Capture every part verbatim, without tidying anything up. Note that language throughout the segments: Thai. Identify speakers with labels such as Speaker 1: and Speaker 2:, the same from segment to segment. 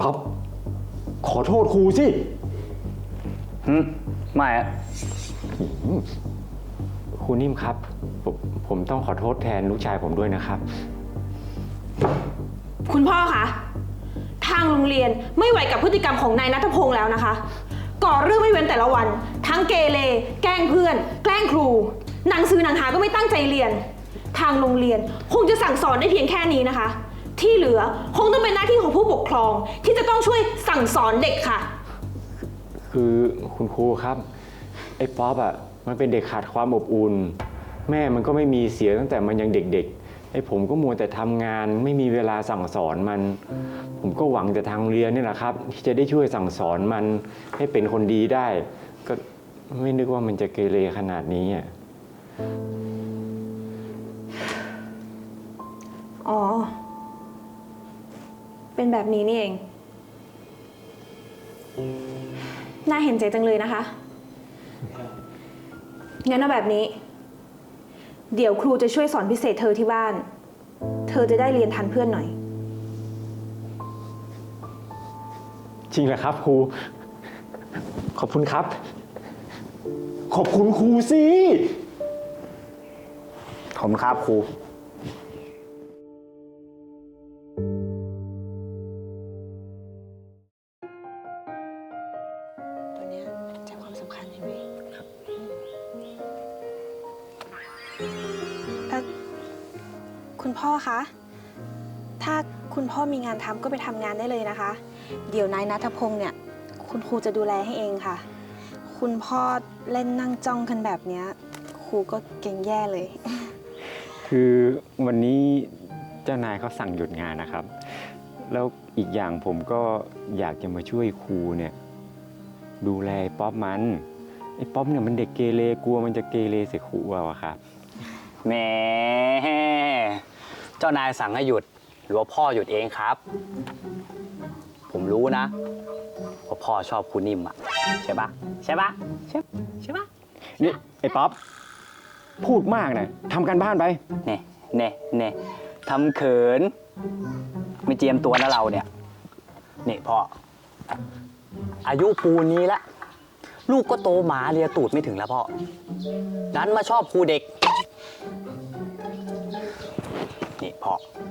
Speaker 1: ป๊อปขอโทษครูสิ
Speaker 2: หืมไม่อะ
Speaker 1: ครูนิ่มครับผมผมต้องขอโทษแทนลูกชายผมด้วยนะครับ
Speaker 3: คุณพ่อคะทางโรงเรียนไม่ไหวกับพฤติกรรมของนายณัฐพงษ์แล้วนะคะก่อเรื่องไม่เว้นแต่ละวันทั้งเกเรแกล้งเพื่อนแกล้งครูหนังสือหนังหาก็ไม่ตั้งใจเรียนทางโรงเรียนคงจะสั่งสอนได้เพียงแค่นี้นะคะที่เหลือคงต้องเป็นหน้าที่ของผู้ปกครองที่จะต้องช่วยสั่งสอนเด็กค่ะ
Speaker 1: คือคุณครูครับไอ้ป๊อปอ่ะมันเป็นเด็กขาดความอบอุ่นแม่มันก็ไม่มีเสียตั้งแต่มันยังเด็กๆไอ้ผมก็มัวแต่ทำงานไม่มีเวลาสั่งสอนมันผมก็หวังแต่ทางเรียนนี่แหละครับที่จะได้ช่วยสั่งสอนมันให้เป็นคนดีได้ก็ไม่นึกว่ามันจะเกเรขนาดนี้อ่ะ
Speaker 3: อ๋อเป็นแบบนี้นี่เองน่าเห็นใจจังเลยนะคะงั้นเอาแบบนี้เดี๋ยวครูจะช่วยสอนพิเศษเธอที่บ้านเธอจะได้เรียนทันเพื่อนหน่อย
Speaker 1: จริงเหรอครับครูขอบคุณครับขอบคุณครูสิ
Speaker 2: ขอบคุณครับครู
Speaker 3: ตัวนี้ใจความสำคัญใช่ไหมครับคุณพ่อคะถ้าคุณพ่อมีงานทำก็ไปทำงานได้เลยนะคะเดี๋ยวนายณัฐพงษ์เนี่ยคุณครูจะดูแลให้เองค่ะคุณพ่อเล่นนั่งจ้องกันแบบเนี้ยครูก็เก่งแย่เลย
Speaker 1: คือวันนี้เจ้านายเขาสั่งหยุดงานนะครับแล้วอีกอย่างผมก็อยากจะมาช่วยครูเนี่ยดูแลป๊อปมันไอ้ป๊อปเนี่ยมันเด็กเกเรกลัวมันจะเกเรใส่ครูเอาอะครับ
Speaker 2: แหมเจ้านายสั่งให้หยุดหรือว่าพ่อหยุดเองครับ ผมรู้นะว่าพ่อชอบครูนิ่มอะใช่ปะใช่ปะใช่ใช่ปะ
Speaker 1: นี่ไอ้ป๊อปพูดมากนะทำการบ้านไป
Speaker 2: เน่เน่เน่ทำเขินไม่เจียมตัวนะเราเนี่ยนี่พ่ออายุปูนี้ละลูกก็โตหมาเลียตูดไม่ถึงแล้วพ่อนั้นมาชอบครูเด็กนี่พ่อ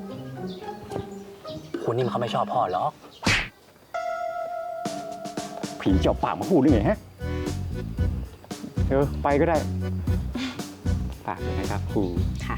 Speaker 2: ครูนิ่มเขาไม่ชอบพ่อหรอก
Speaker 1: ผีเจาะปากมาพูดได้ไงฮะเออไปก็ได้ฝากเลยนะครับครู
Speaker 3: ค่ะ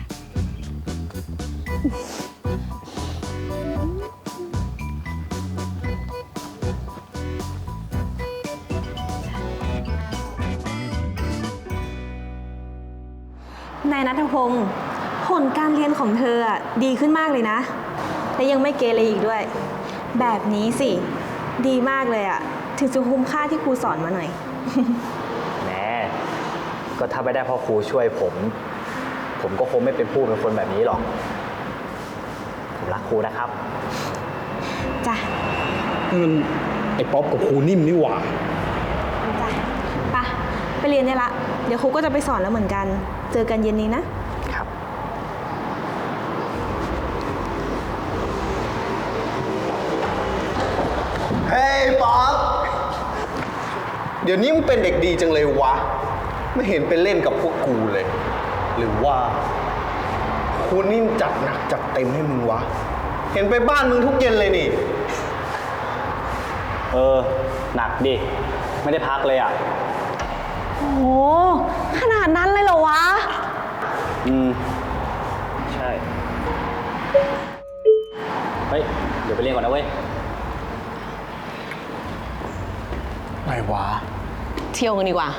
Speaker 3: นายณัฐพงษ์ผลการเรียนของเธออะดีขึ้นมากเลยนะและยังไม่เกเรอีกด้วยแบบนี้สิดีมากเลยอะถึงจะคุ้มค่าที่ครูสอนมาหน่อย
Speaker 2: แหมก็ถ้าไม่ได้พ่อครูช่วยผมผมก็คงไม่เป็นผู้เป็นคนแบบนี้หรอกผมรักครูนะครับ
Speaker 3: จ้ะ
Speaker 4: นี่มันไอ้ป๊อปกับครูนิ่มนี่หว่า
Speaker 3: จ้ะไปไปเรียนได้ละเดี๋ยวครูก็จะไปสอนแล้วเหมือนกันเจอกันเย็นนี้นะครับ
Speaker 5: เฮ้ยป๊อปเดี๋ยวนี้มึงเป็นเด็กดีจังเลยวะไม่เห็นไปเล่นกับพวกกูเลย หรือว่าครูนิ่มจัดหนักจัดเต็มให้มึงวะเห็นไปบ้านมึงทุกเย็นเลยนี่
Speaker 2: เออหนักดิไม่ได้พักเลยอ่ะ
Speaker 3: โอ้ขนาดนั้นเลยเหรอวะ
Speaker 2: อืมใช่เฮ้ยเดี๋ยวไปเรียนก่อนนะเว้ย
Speaker 4: ไงวะ
Speaker 6: เที่ยวกันดีกว่า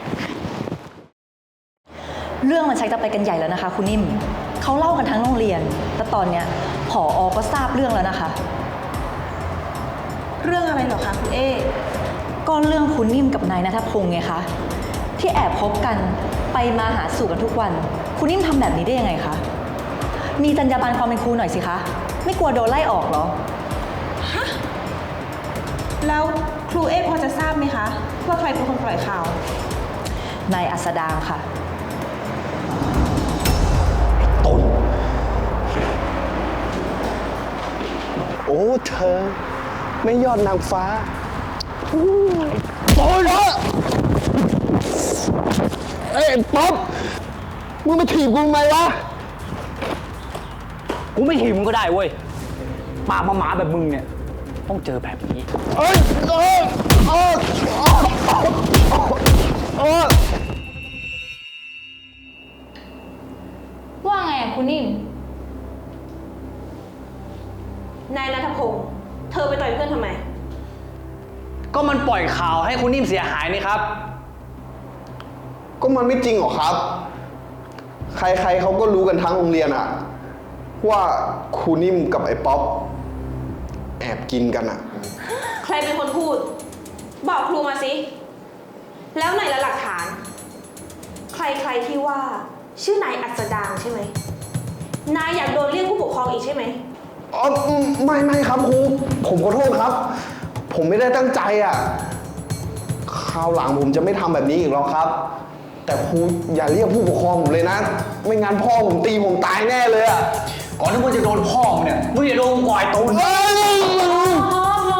Speaker 6: เรื่องมันชักจะไปกันใหญ่แล้วนะคะคุณนิ่มเขาเล่ากันทั้งโรงเรียนแต่ตอนเนี้ยผอ.ก็ทราบเรื่องแล้วนะคะ
Speaker 3: เรื่องอะไรเหรอคะคุณเอ
Speaker 6: ก็เรื่องคุณนิ่มกับนายณัฐพงษ์ไงคะที่แอบคบกันไปมาหาสู่กันทุกวันคุณนิ่มทำแบบนี้ได้ยังไงคะมีจรรยาบรรณความเป็นครูหน่อยสิคะไม่กลัวโดนไล่ออกเหรอ
Speaker 3: ฮะแล้วครูเอพอจะทราบไหมคะว่าใครเป็นคนปล่อยข่าวน
Speaker 6: ายอัสดางค่ะ
Speaker 5: ต้นโอ้เธอไม่ยอดนางฟ้าโอ้ยเอ้ยป๊อปมึงมาถีบกูทำไมวะ
Speaker 2: กูไม่ถีบมึงก็ได้เว้ยปากมาหมาแบบมึงเนี่ย ต้องเจอแบบนี้
Speaker 5: เอ้ยเอ้ยเอ้ยเอ้ย
Speaker 3: ว่าไงอะคุณนิ่ม นายนัทพงศ์เธอไปต่อยเพื่อนทำไม
Speaker 2: ก็มันปล่อยข่าวให้คุณนิ่มเสียหายนี่ครับ
Speaker 5: ก็มันไม่จริงหรอกครับ ใครๆเขาก็รู้กันทั้งโรงเรียนอะว่าครูนิ่มกับไอ้ป๊อปแอบกินกันอะ
Speaker 3: ใครเป็นคนพูด บอกครูมาสิ แล้วไหนละหลักฐาน ใครๆที่ว่า ชื่อนายอัศดางใช่ไหม นายอยากโดนเรียกผู้ปกครองอีกใช่ไหม
Speaker 5: อ๋อไม่ไม่ครับครู ผมขอโทษครับ ผมไม่ได้ตั้งใจอะคราวหลังผมจะไม่ทำแบบนี้อีกแล้วครับ แต่ครูอย่าเรียกผู้ปกครองผมเลยนะ ไม่งั้นพ่อผมตีผมตายแน่เลยอะ
Speaker 2: ก่อนที่มึงจะโดนพ่อมึงเนี่ย มึงอย่าโดนก่อยตูน
Speaker 5: เอ้ย
Speaker 3: พอพอ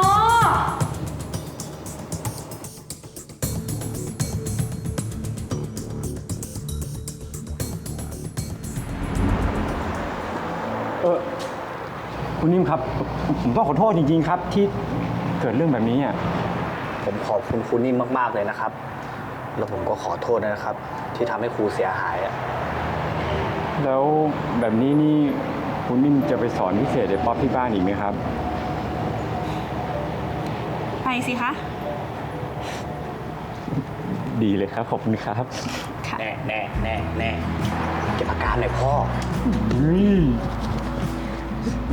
Speaker 1: เออคุณนิ่มครับ ผมต้องขอโทษจริงๆครับ ที่เกิดเรื่องแบบนี้อ่ะ
Speaker 2: ผมขอบคุณคุณนิ่มมากๆเลยนะครับ แล้วผมก็ขอโทษนะครับ ที่ทำให้ครูเสียหายอะ
Speaker 1: แล้วแบบนี้นี่คุณนิ่มจะไปสอนพิเศษไอ้ป๊อปที่บ้านอีกไหมครับ
Speaker 3: ไปสิคะ
Speaker 1: ดีเลยครับ ขอบคุณครับ
Speaker 2: แน่แน่แน่แน่เก็บอาการหน่อยพ่อ
Speaker 1: อืม